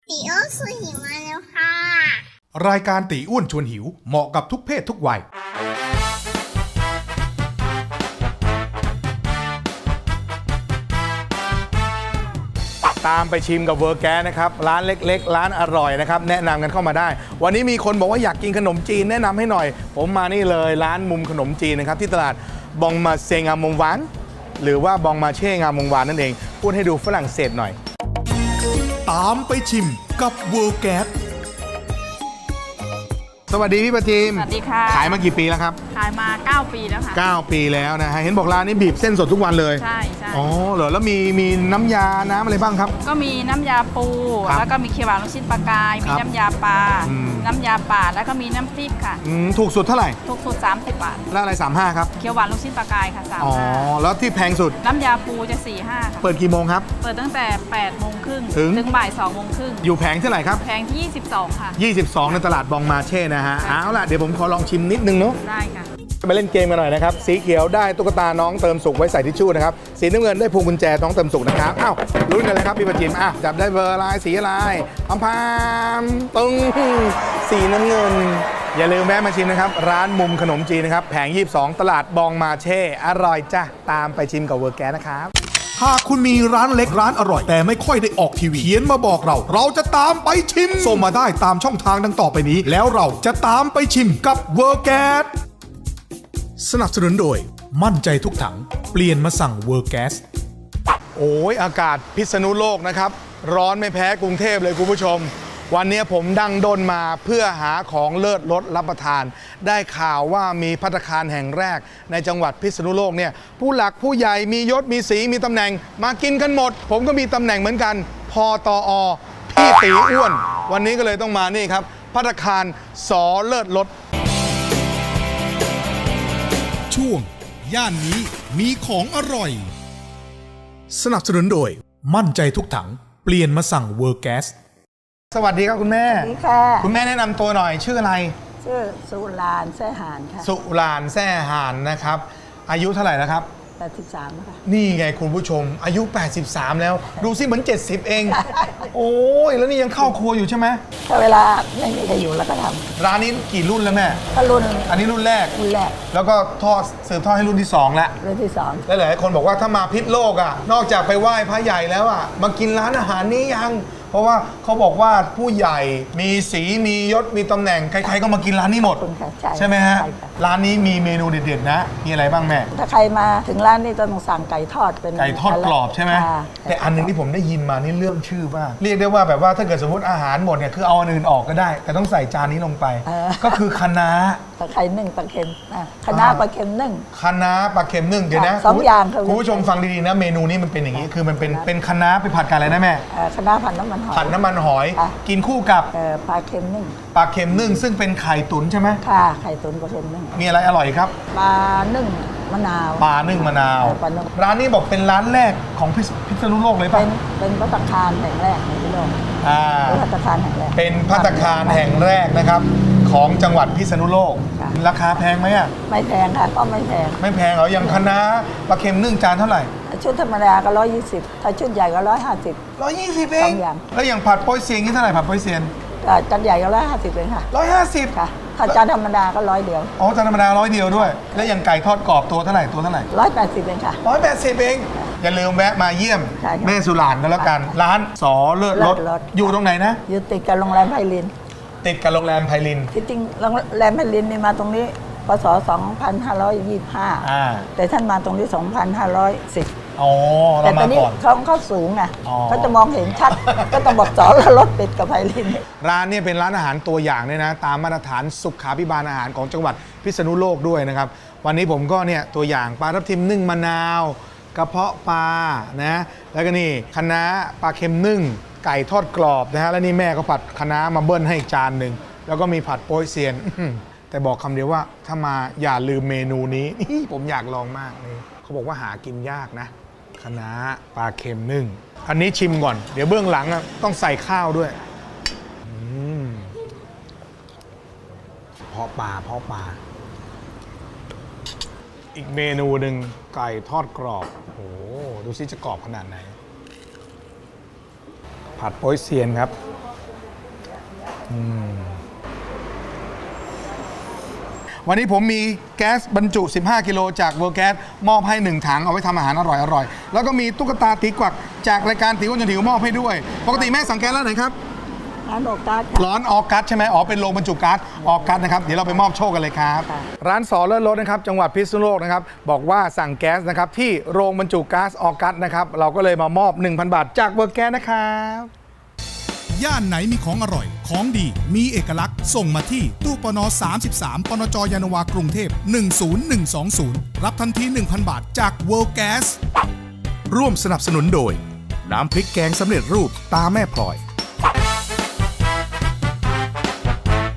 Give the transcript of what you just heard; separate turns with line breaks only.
ตีโอสุหิวมาแล้วค่ะ
รายการตีอ้วนชวนหิวเหมาะกับทุกเพศทุกวัยตามไปชิมกับเวอร์แกสนะครับร้านเล็กๆร้านอร่อยนะครับแนะนำกันเข้ามาได้วันนี้มีคนบอกว่าอยากกินขนมจีนแนะนำให้หน่อยผมมานี่เลยร้านมุมขนมจีนนะครับที่ตลาดบองมาเซงามงหวานหรือว่าบองมาเช่งามงหวานนั่นเองพูดให้ดูฝรั่งเศสหน่อยตามไปชิมกับเวอร์แกสสวัสดีพี่ประจิม
สวัสดีค่ะ
ขายมากี่ปีแล้วครับ
ขายมา 9 ปีแล้วค่ะ
9 ปีแล้วนะฮะเห็นบอกร้านนี้บีบเส้นสดทุกวันเลย
ใช่
อ๋อเหรอแล้วมีน้ำยาน้ำอะไรบ้างครับ
ก็มีน้ำยาปู
ครับ
แล้วก็มีเขียวหวานลูกชิ้นปลากาย
ค
มี
รับ
น้ำยาปลา น้ำยาป่า แล้วก็มีน้ำพริกค่ะ
ถูกสุดเท่าไหร่
ทุกสูตร30 บาท
แล้วอะไร35ครับ
เขียวหวานลูกชิ้นปลากายค่ะ
อ๋อแล้วที่แพงสุด
35น้ำยาปูจะ 45 ค่ะ
เปิดกี่โมงครับ
เปิดตั้งแต่ 8 โมงครึ่ง
ถึง
บ่าย 2 โมงครึ่ง
อยู่แผงเท่าไหร่ครับ
แพงที่ 22 ค่ะ
22 ในตลาดบองมาเช่นะฮะเอาล่ะเดี๋ยวผมขอลองชิมนิดนึงเนาะ
ได้ค่ะ
มาเล่นเกมกันหน่อยนะครับสีเขียวได้ตุ๊กตาน้องเติมสุกไว้ใส่ทิชชู่นะครับสีน้ำเงินได้พวงกุญแจน้องเติมสุกนะครับอ้าวลุ้นกันเลยครับพี่ประจิมจับได้เบอร์อะไรสีอะไรพามตึงสีน้ำเงินอย่าลืมแวะมาชิมนะครับร้านมุมขนมจีนนะครับแผง22ตลาดบองมาเช่อร่อยจ้ะตามไปชิมกับเวอร์แกสนะครับหากคุณมีร้านเล็กร้านอร่อยแต่ไม่ค่อยได้ออกทีวีเขียนมาบอกเราจะตามไปชิมส่งมาได้ตามช่องทางดังต่อไปนี้แล้วเราจะตามไปชิมกับเวอร์แกสสนับสนุนโดยมั่นใจทุกถังเปลี่ยนมาสั่งเวอร์แกสโอ้ยอากาศพิษณุโลกนะครับร้อนไม่แพ้กรุงเทพเลยคุณผู้ชมวันนี้ผมดังด้นมาเพื่อหาของเลิศรสรับประทานได้ข่าวว่ามีภัตตาคารแห่งแรกในจังหวัดพิษณุโลกเนี่ยผู้หลักผู้ใหญ่มียศมีสีมีตำแหน่งมากินกันหมดผมก็มีตำแหน่งเหมือนกันพตอพี่ตีอ้วนวันนี้ก็เลยต้องมานี่ครับภัตตาคารสอเลิศรสช่วงย่านนี้มีของอร่อยสนับสนุนโดยมั่นใจทุกถังเปลี่ยนมาสั่งเวอร์แกสสวัสดีครับคุณแม่
สวัสดีค่ะ
คุณแม่แนะนำตัวหน่อยชื่ออะไร
ชื่อสุรานแซ่หานค่ะ
สุรานแซ่หานนะครับอายุเท่าไหร่แล้วครับ
83ค่ะ
นี่ไงคุณผู้ชมอายุ 83 แล้วดูสิเหมือน 70 เอง โอ้ยแล้วนี่ยังเข้าครัวอยู่ใช่ไหม
ถ้าเวลาไม่มีใครอยู่แล้วก็ท
ร้านนี้กี่รุ่นแล้วแม่
ำก็รุ่น
อันนี้รุ่นแรก
รุ่นแรก
แล้วก็สืบทอดให้รุ่นที่ 2 แล้ว
รุ่นที่สอง
และหลายคนบอกว่าถ้ามาพิษโลกนอกจากไปไหว้พระใหญ่แล้วมากินร้านอาหารนี้ยัง เพราะว่าเขาบอกว่าผู้ใหญ่มีสีมียศมีตำแหน่งใครๆก็มากินร้านนี้หมด
คุณค่ะ
ใช่ไหมฮะ
ใช่ค่ะ
ร้านนี้มีเมนูเด็ดๆนะ มีอะไรบ้างแม่
ถ้าใครมาถึงร้านนี้ต้องสั่งไก่ทอดเป็น
ไก่ทอดกรอบใช่ไหม
ค่ะ
แต่อันหนึงที่ผมได้ยินมานี่เรื่องชื่อมากเรียกได้ว่าแบบว่าถ้าเกิดสมมติอาหารหมดเนี่ยคือเอาอันอื่นออกก็ได้ แต่ต้องใส่จานนี้ลงไป ก็คือคะน้า
ตะไคร้นึ่งปลาเค็มคณะน้าปลาเค็มนึ่ง
คะน้าปลาเค็มนึ่งเดี๋ยวนะ
สองอย่างค่ะ
คุณผู้ชมฟังดีๆนะเมนูนี้มันเป็นอย่างนี้คือมันเป็นคะน้าไปผัดกันอะไรนะแม่
คณะน้าผัดน้ำมันหอย
ผัดน้ำมันหอย
ค่ะ
กินคู่กับ
ปลาเค็มนึ่ง
ปลาเค็มนึ่งซึ่งเป็นไข่ตุ๋นใช่ไหม
ค่ะไข่ตุ๋นปลาเค็มนึ่ง
มีอะไรอร่อยครับ
ปลานึ่งมะนาว
ปลานึ่งมะนาว
ปลานึ่ง
ร้านนี้บอกเป็นร้านแรกของพิษณุโลกเลยป่ะ
เป็นภัตตาคารแห่งแรกในโลก
อ่า
เป็นภัตตาคารแห่งแรก
เป็นภัตตาคารแห่งแรกนะครับของจังหวัดพิษณุโลก
ค่ะ
ราคาแพงไหมอ่ะ
ไม่แพงค่ะก็ไม่แพง
ไม่แพงเหรออย่างคะน้าปลาเค็มนึ่งจานเท่าไหร่
ชุดธรรมดาก็120ถ้าชุดใหญ่ก็150
120เอง
สองอย่าง
แล้วอย่างผัดโป๊ยเซียงนี่เท่าไหร่ผัดโป๊ยเซียน
จานใหญ่ก็150เองค่ะ
150
ค่ะ ถ้าจานธรรมดาก็100เดียว
อ๋อจานธรรมดา100 เดียวด้วย แล้วอย่างไก่ทอดกรอบตัวเท่าไหร่ตัวเท่าไหร่
180เองค่ะ
180เองอย่าลืมแวะมาเยี่ยม
ใช่ค่ะ
แม่สุรานกันแล้วกัน ร้านสอเลิศรส
เลิศรส
อยู่ตรงไหนนะ
อยู่ติดกับโรงแรมไพลิน
ติดกับโรงแรมไพลิน
ที่จริงโรงแรมไพลินนี่มาตรงนี้พศ2525 แต่ท่านมาตรงนี้ 2510
อ๋อ
แต่
เรา
ตอ
มาน
นี้
ก่อน
เขาสูงไง
อ๋อ
เขาจะมองเห็นชัด ก็ต้องบอกสอนแล้วรถติดกับไพลิน
ร้านเนี่ยเป็นร้านอาหารตัวอย่างเนี่ยนะตามมาตรฐานสุขาภิบาลอาหารของจังหวัดพิษณุโลกด้วยนะครับวันนี้ผมก็เนี่ยตัวอย่างปลาทับทิมนึ่งมะนาวกระเพาะปลานะแล้วก็นี่คะน้าปลาเค็มนึ่งไก่ทอดกรอบนะฮะแล้วนี่แม่ก็ผัดคะน้ามาเบิ้ลให้อีกจานหนึ่งแล้วก็มีผัดโป๊ยเซียน แต่บอกคำเดียวว่าถ้ามาอย่าลืมเมนูนี้ ผมอยากลองมากนี่เขาบอกว่าหากินยากนะคะน้าปลาเค็มนึ่งอันนี้ชิมก่อนเดี๋ยวเบื้องหลังต้องใส่ข้าวด้วยเพาะปลาอีกเมนูหนึ่งไก่ทอดกรอบโอ้โหดูซิจะกรอบขนาดไหนผัดโป๊ยเซียนครับวันนี้ผมมีแก๊สบรรจุ 15 กิโลจากเวิร์แก๊สมอบให้ 1 ถังเอาไว้ทำอาหารอร่อยๆ แล้วก็มีตุ๊กตาตีกวักจากรายการตีอ้วนจนหิวมอบให้ด้วย ปกติแม่สั่งแก๊สแล้วไหนครับ
ร้านโอกัสค่ะ
ร้อนออกัสใช่ไหมอ๋อเป็นโรงบรรจุก๊าซออกัสนะครับเดี๋ยวเราไปมอบโชคกันเลยครับ
ค่ะ
ร้านสอเลิศรถนะครับจังหวัดพิษณุโลกนะครับบอกว่าสั่งแก๊สนะครับที่โรงบรรจุก๊าซออกัสนะครับเราก็เลยมามอบ 1,000 บาทจากเวิร์แก๊สนะครับ
ย่านไหนมีของอร่อย ของดี มีเอกลักษณ์ ส่งมาที่ตู้ปน33ปนจยานนาวากรุงเทพ10120 รับทันที 1,000 บาทจาก World Gas ร่วมสนับสนุนโดย น้ำพริกแกงสำเร็จรูปตาแม่พลอย